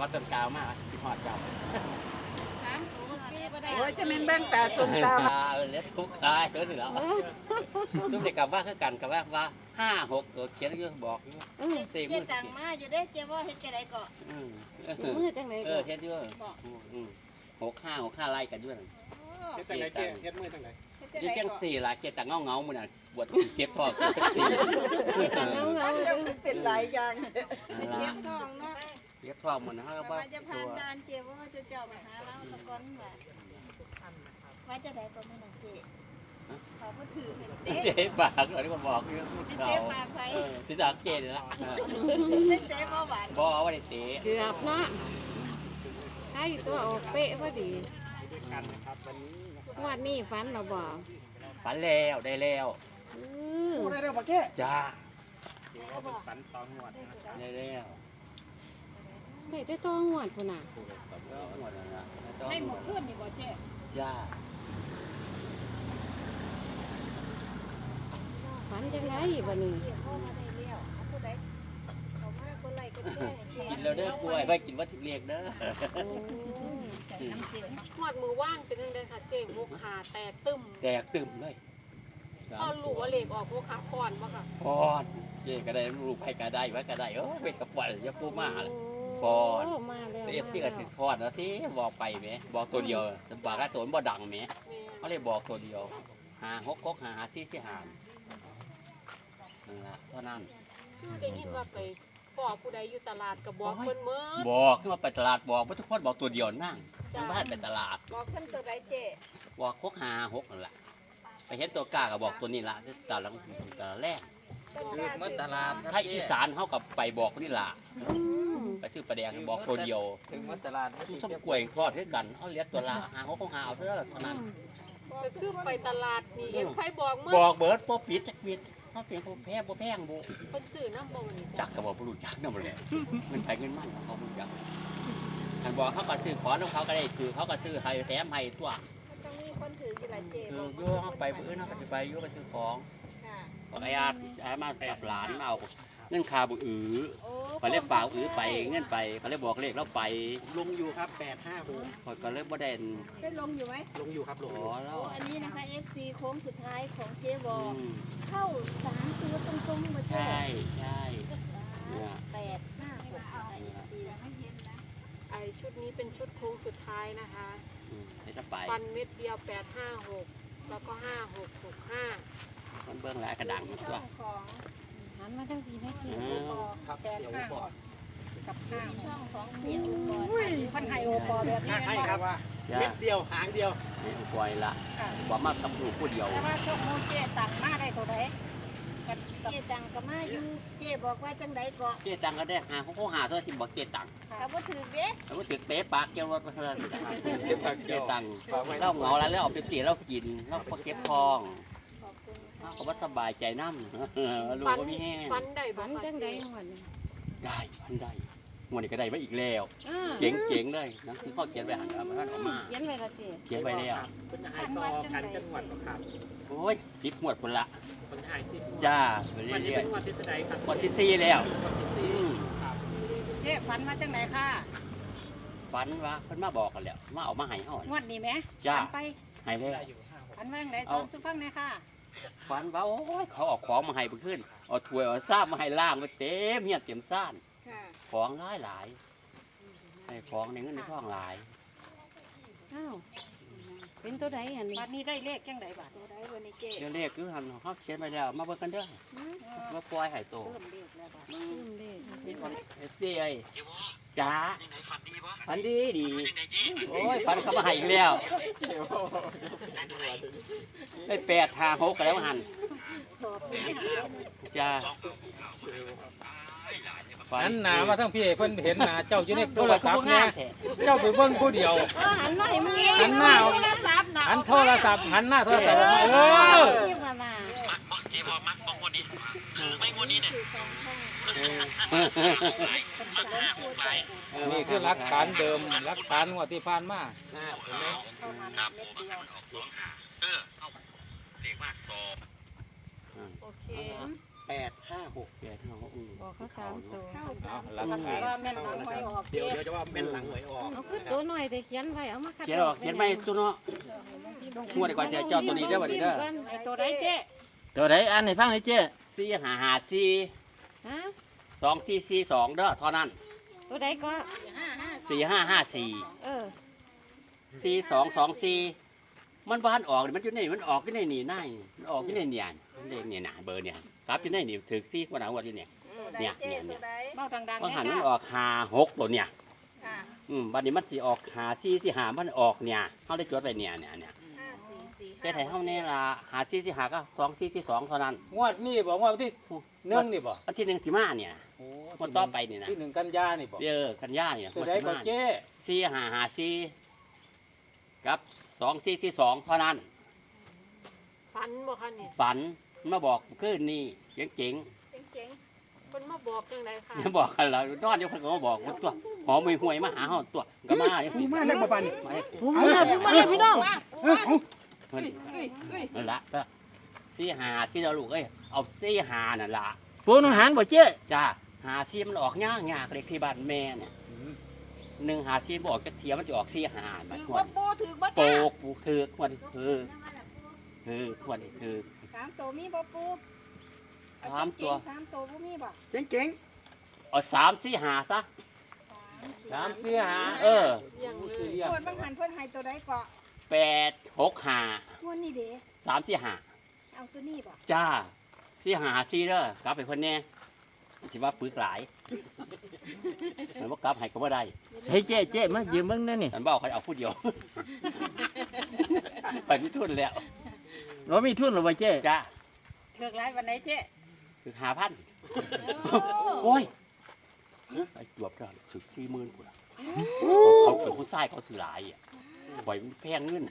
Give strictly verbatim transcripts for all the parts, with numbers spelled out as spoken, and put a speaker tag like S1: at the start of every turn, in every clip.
S1: ว่าต้นกาวมากที่หอดเจ้า
S2: สามตัวเมื่อกี้บ่ได้
S3: โอ้ยจะเป็นแบงตาชนตา
S1: เล็ดทุกทายรู้สึกแล้วตุ้มเด็กกับว่าคือกันกับว่าว่าห้าหกตัวเขียนก็บอกสี่
S2: เจ๊
S1: มือ
S2: ตังมาอยู่เด้เจ๊ว่าเฮ็ดจังได๋ก็
S4: มือจังไหน
S1: เออเฮ็ดด้วยหกห้าหกห้าไล่กันด้วย
S5: เฮ็ดจังได๋เจ๊เฮ็ดมือจังได๋
S1: ยี่เจ้งสี่ละเกตังเงาเงามือน่ะบวชเก็บทองสี่
S4: เงาเงา
S3: มันจะเป็นหลายอย่าง
S2: เจ็บท้องเนาะ
S1: เก็บทองมือนะฮะว่า
S2: ว่าจะผ่านด่านเจ๊ว่าจะเจ้ามาหาเราสะก่อนว่าว่าจะได้ก็มื้อนั้นเจ๊เขาบ่ถือเห็นเต๊ะ
S1: เจ๊ปากอะไรก็บอกอยู่เขา
S2: เจ๊ปากไผ
S1: ที่ตากเกณฑ์ละ
S2: เจ๊บ่หวาน
S1: บอกว่าได้เตะ
S4: เกือบเนาะถ้าอยู่ตัวออกเป๊ะพอดี
S5: กันนะครับวันนี้
S4: วันนี้ฝันเราบอก
S1: ฝันแล้วได้แล้ว
S4: อือ
S5: พูดได้แล้วบ่แก้
S1: จ้า
S5: เดี๋ยวเป็นฝันตองหวดนะครับ
S1: ได้แล้ว
S4: ได้แต่ตัวหวดพุ่นน่ะ
S1: ก็หมดแล้วนะ
S2: ให้หมดขึ้นนี่บ่เจ๊
S1: จ้า
S4: ฝันจังไรบ่นี่
S2: พ่อมาได้แล้วเอาผู้ใดเขามาคนไล่คนแก่เจ๊
S1: กินแล้วเด้อกล้วยไปกินวัตถุเรียกเด้อ
S6: หอดมือว่างเป็นยังไงคะเจ๊งหกขาแตกตึม
S1: แดกตึมเลย
S6: พอหลูว่าเหล็กออกหกขาฟอนปะค่ะ
S1: ฟอนเจ๊ก็ได้ลูกไปก็ได้ไว้ก็ได้เออเป็นกระป๋องจะปูมาเลย ฟอน
S4: โมาแล้ว
S1: เอฟซีกับสิฟอนแล้วที่บอกไปไหมบอกตัวเดียวสบอกว่าตัวมันบ่ดังไหม
S6: แม่
S1: เขาเลยบอกตัวเดียวหาหกหกหาหาซี่ซี่หามนั่นละเท่านั้น
S6: คือได้ยินว่าไปพ่อผู้ใดอยู่ตลาดกับบอกเพิ่นเมื่อ
S1: บอกขึ้นมาไปตลาดบอกว่าทุกคนบอกตัวเดียวนั่งยังบ้านไปตลาด
S2: บอกขึ้นตัวใดเจ๊
S1: บอกหกหาหกนั่นแหละไปเห็นตัวกล้าก็บอกตัวนี้ละตลาดตลาดแรก
S2: คือเมื่อตลาด
S1: ถ้าอีสานเขากับไปบอกนี่ละ
S4: อืม
S1: ไปซื้อปลาแดงบอกตัวเดียว
S5: ถึงวัดตลาด
S1: สู้ส้มกล้วยทอดด้วยกันเขาเลี้ยงตัวละหาหกหกหาเอาเท่านั้นเท่านั้น
S6: ก็คือไปตลาดนี่เอ็มไฟบอกเมื่
S1: บ
S6: อ
S1: อกเบิร์ดพอปิดจักปิดเขาเปลี่ยนเขาแพ้บ่แพงบุ
S6: เพิ่นซื้อน้ำบ่มันนี่
S1: จักกับบอกผู้รู้จักนั่นหมดเลยเงินไปเงินมันเขาผู้รู้จักอันบอกเขาก็ซื้อขอของเขาก็ได้คือเขาก็ซื้อให้แถมให้ตัว
S2: ต้องมีคนถืออยู่หลายเจ๊
S1: คื
S2: บ
S1: อ
S2: อก
S1: โย่เขาไปเพื่อนเขาก็จะไปโย่ไปซื้อของ
S2: ค่ะ
S1: บอกไอ้อาไอ้มากับหลานมาเอาเงินคาบุอือ
S2: โอ้
S1: เขาเรียกฝากอือไปเงินไปเขาเรียกบอกเลขแล้วไป
S5: ลงอยู่ครับแปดห้าหก
S1: คอยก็เลยบ่ได้
S2: ได้ลงอยู่ไหม
S5: ลงอยู่ครับลง
S1: ข
S5: อยู่
S1: อแล้ว
S2: โอ้อันนี้นะคะ เอฟ ซี โค้งสุดท้ายของเจ๊บ
S1: อื
S2: อก
S1: ม
S2: เข้าสามตัวตรงๆมาเจ๊
S1: ใช่ใช่เนี่ย
S2: แปดห้าหกนะคะ เอฟ ซี
S6: ไอชุดนี้เป็นชุดโค้งสุดท้ายนะคะ
S1: อืมให้จะไป
S6: ฟันเม็ดเดียวแปดห้าหกแล้วก็ห้าหกหกห้า
S1: มันเบื้องหลายกระดัง
S2: ช่
S1: ตัว
S2: องของ
S4: หันมาทั้งทีนะที
S1: อืม
S5: ครับเดี๋ยวบอก
S2: กับห้าช่องของเสียอุปกรณ์
S3: พันไฮโอปอแบบนี้
S5: ให้ครับว่า
S1: จ้า
S5: เม็ดเดียวหางเดียว
S1: ให้อุปอยละบอกมาทำผูผู้เดียว
S3: แต่ว่าช่วงโมเจตังมาได้ตัวไหนกัน
S2: เจ๊ตังก็มาอยู่เจ๊บอกว่าจังไดก็
S1: เจ๊ตังก็ได้หาเขาเขาหาตัวที่บอกเจ๊ตัง
S2: เขาบ่ถือเด้
S1: แล้วก็ตึกเตะปากเจ้ารถมาเท่านั้นเจ๊ตังเล่าเหงาแล้วแล้วเอาไปสีแล้วกินแล้วพอเก็บทอง
S2: ขอบคุณ
S1: เขาว่าสบายใจน้ำลูก
S6: ฟัน
S1: ก็มีแห้ง
S6: ฟันได้บ่
S4: ฝัน
S6: ค่ะ
S4: จังได
S6: เจ๊
S4: หวดนี่
S1: ได้มันได้งวดนี้ก็ได้มาอีกแล้ว
S4: อ่า
S1: เจ๋งเจ๋งเลยหนังสือข้อเขียนไว้หันมาท่านออกมา
S4: เขียนไว้ละติ
S1: เขียนไว้แล้ว
S5: เป็นหายต่อกันจังหวัดครับ
S1: โอ้ยสิบหมวดคนละ
S5: เป็นหายสิบ
S1: จ้าไป
S5: วันนี้
S1: เรื่อย
S5: เป็นวันที่จะได้ครับ
S1: ๆหมวดที่สี่แล้ว
S5: วันที่สี่
S1: อืม
S3: เจ๊ฝันมาจังไหนค่ะ
S1: ฝันว่าเพิ่นมาบอกกันแล้วมาเอามาให้เฮาง
S3: วดนี้ไหม
S1: จ้า
S3: ฝันไป
S1: ให้แล้ว
S5: ได้อยู่ห้าหก
S3: ฝันว่าจังไหนสอนสุฟังหน่อยค่ะ
S1: ฝันว่าโอ้ยเขาเอาของมาให้เพิ่นขึ้นเอาถ้วยเอาซ้ำมาให้ล่างไว้เต็มเฮียเต็มซ่าน
S2: ค่ะ
S1: ของหลายหลายให้ของในเงินในทองหลาย
S4: อ้าวเป็นตัวใดอันนี้
S3: บัดนี้ได้เลขจังไหนบัด
S2: ตัวใดวันนี้เจ๊
S1: เดี๋ยวเลขคือหันเขาเขียนไว้แล้วมาเบิ่งกันเด้อมาปล่อยให้โต
S3: เพิ่มเลขแล้วบัด
S4: ลืมเลข
S1: นี่คนเอฟซีไอ้จ้าฝันดีดีโอ้ยฝันเขามาให้อีกแล้วได้แปดทางหกกันแล้วหันจ้า
S7: หันหน้ามาทั้งพี่เพิ่นเห็นหน้าเจ้าอยู่ในโทรศัพท์เนี่ยเจ้าไปเบิ่งผู้เดียว
S4: เออหันมาให้มึง
S7: หันหน้า
S2: โทรศัพท์นะ
S7: หันโทรศัพท์หันหน้าโทรศัพท์ออกมาเออ
S4: ที่มามา
S8: เจ๊บอกมักบอกงวดนี้ถือไม่งวดนี้เนี่ยมักห้าหกหลาย
S7: นี่คือหลักฐานเดิมหลักฐานงวดที่ผ่านมา
S8: ครับผมมันออกสองห้าเออเอาเรียกว่าสอบ
S6: โอเค
S1: ไป
S5: แปดห้าหก
S1: แปดห้าหกอืม
S4: บอกเขาสามตัว
S2: เข้า
S7: เอา
S2: สาม
S7: หลัก
S6: ก็สิ
S7: ฐาน
S6: ว่าแม่นหลังหวยออก
S5: เดี๋ยว
S6: เจ๊
S5: เดี๋ยวจะว่าแม่นหลังหวยออก
S4: เอาคือตัวหน่อยแต่เขียนไว้เอามาคัด
S1: เขียนออกเขียนไม่ตัวเนาะงวดดีกว่าเสียเจ้าตัวนี้ได้อบ่ดีเด้อ
S3: ไอตัวใดเจ๊
S9: ตัวไหนอันไหนฟังเลยเจ้
S1: สี่ห้าห้าสี่
S4: ฮะ
S1: สองสี่สี่สองเด้อเท่านั้น
S4: ตัวใดก็
S1: สี่ห้าห้าสี่
S4: เออ
S1: สี่สองสองสี่มันบ้านออกนี่มันอยู่ในมันออกอยู่ในนี่นายมันออกอยู่ในเนี่ยมันเลขเนี่ยนะเบอร์เนี่ยกลับอยู่ในนี่ถึกซี่กว่าหนาวอยู่เนี่ย
S2: ตัวใด
S1: เนี่ย
S2: เจ๊
S1: เนี่ย
S2: ตัวใด
S3: เบ้าดังๆ
S1: บาง
S3: แน่
S1: หันมัน
S3: ค่ะ
S1: ออกหาหกตัวเนี่ย
S2: ค่ะ
S1: อืมบัดนี้มันสิออกหาซี่สิหามันออกเนี่ยเฮาได้จดไว้เนี่ยเนี่ยเนี่ย
S2: ห้าสี่สี่
S1: แต่ไทยเฮาเนี่ยล่ะหาซี่สิหาก็สองซี่สิสองเท่านั้น
S7: งวดนี้บอกว่าวันที่หนึ่งนี่บ่
S1: อันที่หนึ่งสิมาเนี่ย
S7: โอ้
S1: งวดต่อไปนี่นะ
S7: ที่หนึ่งกันยานี่บ่
S1: เออกันยาเนี่ย
S7: ตัวใดก็เจ้
S1: ซี่หาหาซี่กับสองซี่สิสองเท่านั้น
S6: ฝันบ่คะนี่
S1: ฝันมาบอกคืนนี้เจ๋ง
S2: เจ๋ง
S6: เพิ่นมาบอกจังไดค่ะ
S1: ๆอย่าบอกกันแล้วนอนอยู่เพิ่นก็มาบอกว่าตัวหอมห่วยๆมาหาเฮาตัวก็มาจังซี่
S5: มาแล้วบ่ปานนี่
S1: มาให้
S9: ผมมาแล้วผมมาแล้วพี่น้อง
S1: เพิ่นนั่นละก็ซี่หาซี่เราลูกเอ้ยเอาซี่หานั่นล่ะ
S9: ปูนองหารบ่เจ้
S1: จ้าหาซี่มันออกยากยากเลขที่บ้านแม่เนี่ยหนึ่งหาซี่บออกจักเทียมันจะออกซี่หาบัด
S2: ถือ
S1: คว
S2: ว่าน ปูถือว่า
S1: โป
S2: จ้าก
S1: ปูถือกวันถือถือวันถือ
S2: สามตัวมีบ่ปูเอ
S1: สามตัว
S2: เจ๋งๆสามตัวบ่มีบ่
S5: เจ๋ง
S1: เอาสามซี่หาซะ
S7: สามสี่ห้า
S1: เออ
S6: เลี้ยงเล
S7: คือย เรียก
S2: ปวดบางหันเพิ่นให้ตัวใดเกาะ
S1: แปดหกหาง
S2: วดนี้เด้
S1: สามซี่หา
S2: เอาตัวนี้บ่
S1: จ้าซี่หาซี่เด้อกลับไปเพิ่นแน่สิว่าปึกหลายมันบ่กลับให้ก็บ่ได้
S9: ใช่เจ้เจ้มายืมเบิ่งนั่นนี่
S1: ฉันบอกเขาเอาผู้เดียว ไปมีทุนแล้ว
S9: เรามีทุนหรือบ่เจ้
S1: จ้า
S3: เถือกไรวันไหนเจ๊
S1: คือหาพันโอ้ยไอ้จวบก็สึกสี่หมื่นกูละเขาเป็นผู้ชายเขาสื่อหลายอ่ะปล่อยมันแพงเงิน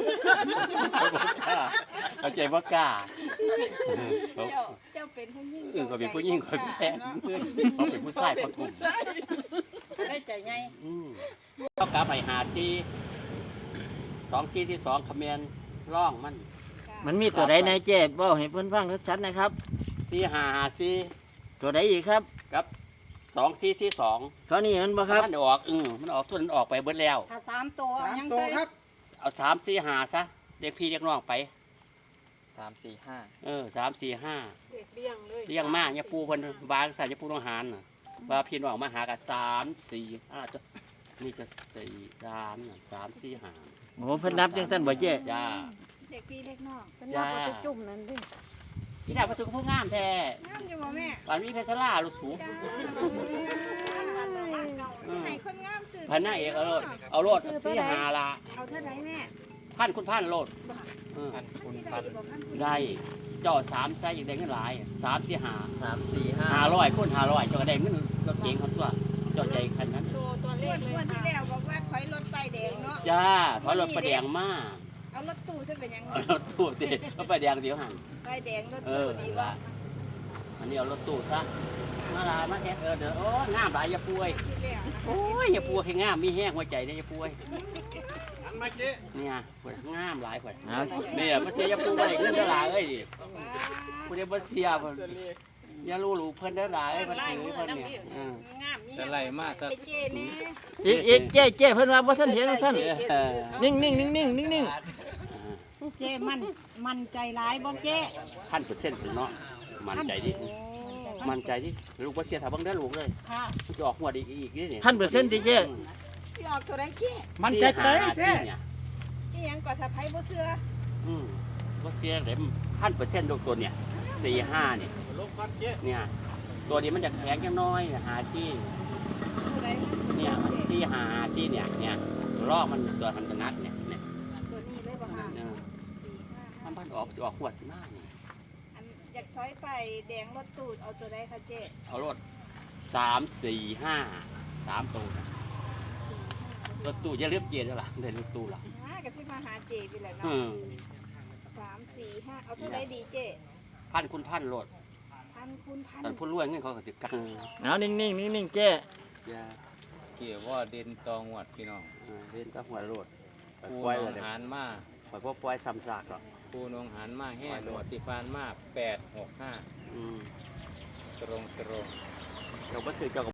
S1: เขาใจว่ากล้า
S2: เจ้าเจ้าเป็นผู้หญิง
S1: เออเขาเป็นผู้หญิงเขาแพงเงินเขาเป็นผู้ชายเขาทุ่ม
S3: ได้ใจไง
S1: อืมเขากลับไปหาที่สองที่ที่สองคอมเมนต์ร่องมัน
S9: มันมีตัวใดในเจ้บ่ให้เพิ่นฟังชัดๆนะครับ
S1: สี่หาหาสี่
S9: ตัวใดอีกครับ
S1: กับสองสี่สี่สอง
S9: เท่านี้มันบ่ครับ
S1: มันออกอืมมันออกส่วนมันออกไปเบิดแล้ว
S3: ถ้าสามตัว
S5: ๆสาม
S3: ยัง
S5: ตัว
S3: ใส่
S5: ครับ
S1: เอาสามสี่หาซะเรียกพี่เรียกน้องไป
S9: สาม สี่ ห้า
S1: เออสามสี่ห้า
S6: เด็กเลี้ยงเลย
S1: เลี้ยงมากเนี่ยปูเพิ่นวางใส่จะปูน้องหานน่ะว่าพี่น้องมาหากันสามสี่ห้าตัวนี่ก็สี่สามน่ะสามสี่ห้า
S9: โอ้เพิ่นนับจังซั่นบ่เจ้
S1: จ้า
S2: เด็กพี่เล็กน้อง
S4: เป็นนับว่าจะจุ่มนั่นเด้
S1: ที่ดาวประตูก็ผู้งามแท้
S2: งามอยู่บ่แม่
S1: ตอนนี้เพชรล่าลูกสูง
S2: จ้า
S1: อืม
S2: ให้คนงามสื่อ
S1: พันหน้าเอกเอาโลดเอาโลดสี่หาละ
S2: เอาเท่าไหร่แม่
S1: พันคุณพันโลดเออ
S2: มันสิได้บ่พันคุณ
S1: ได้เจ้าสามไซส์อย่างได้เงินหลายสามสี่หา
S9: สาม สี่ ห้า
S1: ห้าร้อยคูณห้าร้อยเจ้าก็ได้เงินรถเก๋งเขาตัวเจ้าใจคันนั้น
S6: โชว์ตัวเล
S2: งว
S6: ข
S2: ด
S6: เล
S2: งวย ดที่
S6: ค่ะ
S2: แล้วบอกว่าถอยรถไปแดงเนาะ
S1: จ้าเพราะรถประแดงมาก
S2: เอารถตู้ซะเป็นหยัง
S1: เอารถตู้ดิรถประแดงเดียวหัน
S2: ไปแดงรถ
S1: เอ
S2: ตู้
S1: อ
S2: ดี
S1: นี่
S2: ว่า
S1: ละอันนี้เอารถตู้ซะมาลามาแทนเออเดี๋ยวโอ้งามหลายอย่าป่วย
S2: ที่แล้วนะ
S1: โอ้ยอย่าป่วยให้งามมีแห้งหัวใจได้อย่าป่วย
S5: อันมาเจ๊
S1: เนี่ยปวดงามหลายปวด
S9: เอา
S1: เนี่ยมาเสียอย่าป่วยเงินได้หลายเอ้ยดิ
S2: ว้า
S1: ผู้ใดบ่เสียเพิ่นอย่ารู้รู้เพิ่นได้หลายเพิ่นถือเพิ่นเนี่ยเออ
S3: งามมี
S7: จะไล่มาสัก
S2: ไอ้เจแน่
S9: อีกอีกเจ้เจ้เพิ่นว่าบ่ทันเห็นว่าท่าน
S1: เออ
S9: นิ่งๆนิ่งๆนิ่ง
S3: เจ๊มันมันใจร้ายบ่เจ๊
S1: พันเปอร์เซ็นต์ถึงเนาะมั่นใจดิมั่นใจดิลูกบ่เสียถ้าเบิ่งได้อลูกเลย
S3: ค่ะ
S1: มันจะออกหัวดอีกอีกนี่
S9: ๆพันเปอร์เซ็นต์ติเจ้
S2: สิออกตัวใดเจ
S5: มันใจเท่าไหร่เจ๊
S1: เนี่ย
S2: อีหยังก็ถ้าไผบ่เชื่อ
S1: อืมบ่เสียเลยพันเปอร์เซ็นต์ลูกตัวเนี่ยสี่ห้าเนี่ย
S5: ลงก่อนเจ๊
S1: เนี่ยตัวนี้มันจะแข็งจังน้อยหาซี่
S2: ตัวใดมัน
S1: เนี่ย
S2: เจ
S1: ซี่หาซี่เนี่ยเนี่ยลอกมันตัวทันตนัดเนี่ยเนี่ย
S2: ตัวนี้เลยบ่ค่ะ
S1: เนี่ย
S2: สี่ห้า
S1: มั
S2: ห้าน
S1: พันออกจะออกหัวสิมาเนี่ย
S2: อันอยากถอยไปแดงรถตู้เอาตัวใดคะเจ
S1: เอารถสามสี่ห้าสามตัวนะรถตู้จะเรียบเกียร์แล้วล่ะได้รถตู้ล่ะ
S2: อ่าก็สิมาหาเจพี่แหละ
S1: อื
S2: เนาะ
S1: ม
S2: สามสี่ห้าเอาเท่าใดดีเจ
S1: พันคุณพันรถ
S2: พันคูณพัน
S1: ตอนพูดรวยเงินเขาก็สิกัง
S9: เอานิ่งๆนิ่งๆเจ้
S1: อย่า
S7: เกี่ยวว่าเด่นตองวดพี่น้อง
S1: เออเล่นกับหัวรถไป
S7: ปู
S1: ปล่อย
S7: น
S1: เล
S7: อย ง
S1: เดี๋ยว
S7: หารมา
S1: ปล่อยพวกปล่อยซ้ำซากหรอก
S7: ปูนองหารมาแห้งหมดที่ฟานมาแปดหกห้า
S1: อืม
S7: ตรงตรง
S1: เจ้าบ่ซื้อเจ้าก็